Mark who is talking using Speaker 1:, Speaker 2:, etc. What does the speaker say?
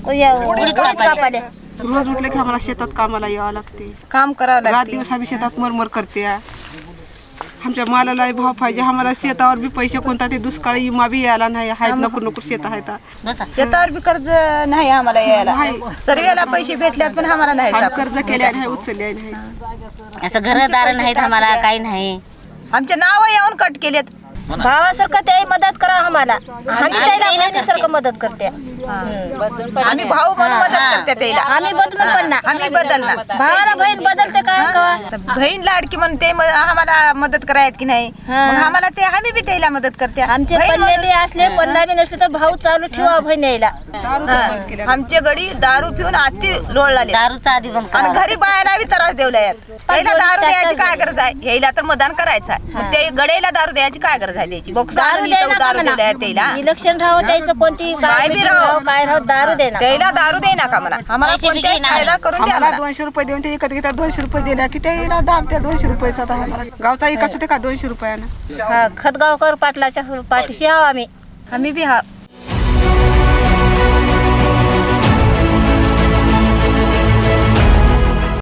Speaker 1: उडीद कापायला.
Speaker 2: रोज उठले की आम्हाला शेतात कामाला यावं लागते,
Speaker 3: काम करावं
Speaker 2: रात
Speaker 3: लागते.
Speaker 2: दिवस आम्ही शेतात मरमर करते. आमच्या मालाला भाव पाहिजे, आम्हाला शेतावर बी पैसे कोणता ते दुष्काळी विमा बी यायला नाही. आहेत नको शेत आहेत,
Speaker 3: शेतावर बी कर्ज नाही आम्हाला यायला. सर्वेला पैसे भेटल्यात पण आम्हाला नाही सापडत.
Speaker 2: कर्ज केले नाही, उचलले नाही.
Speaker 1: असं घरदार नाहीत आम्हाला, काही नाही.
Speaker 3: आमचे नाव येऊन कट केलेत.
Speaker 4: भावासारखं ते मदत करा आम्हाला, आम्ही त्याला बहिणीसारखं मदत करते.
Speaker 3: आम्ही भाऊ म्हणून मदत करते त्याला.
Speaker 4: आम्ही बदलून पण ना,
Speaker 3: आम्ही बदलणार.
Speaker 4: भावाला बहीण बदलते का?
Speaker 3: बहीण लाडकी म्हणून ते आम्हाला मदत करायत की नाही, मग आम्हाला ते आम्ही बी त्याला मदत करते.
Speaker 4: आमचे पल्ले बी असले पल्ला बी नसले तर भाऊ चालू ठेवा बहीण यायला.
Speaker 3: आमचे गडी दारू पिऊन अति लोळले.
Speaker 1: दारूचा आधी बंद
Speaker 3: आणि घरी बायाला बी त्रास देवला. त्याला दारू द्यायची काय गरज आहे? यायला तर मतदान करायचं आहे, मग ते गडेला दारू द्यायची काय गरज आहे? द्यायची दारू दिवला त्याला.
Speaker 4: इलेक्शन राहो त्याचं कोणती
Speaker 3: काय बी राहो,
Speaker 4: काय राहो दारू देणार.
Speaker 3: त्याला दारू दे नका म्हणा. आम्हाला कोणत्याही फायदा करून द्या.
Speaker 2: आम्हाला 200 रुपये देऊन ते विकत घेतात. 200 रुपये दिल्या की त्याला दाब त्या 200 रुपयाचा. गावचा विकास होते का 200 रुपयानं?
Speaker 4: खतगावकर पाटलाच्या पाठीशी आहो आम्ही.
Speaker 3: आम्ही बी हा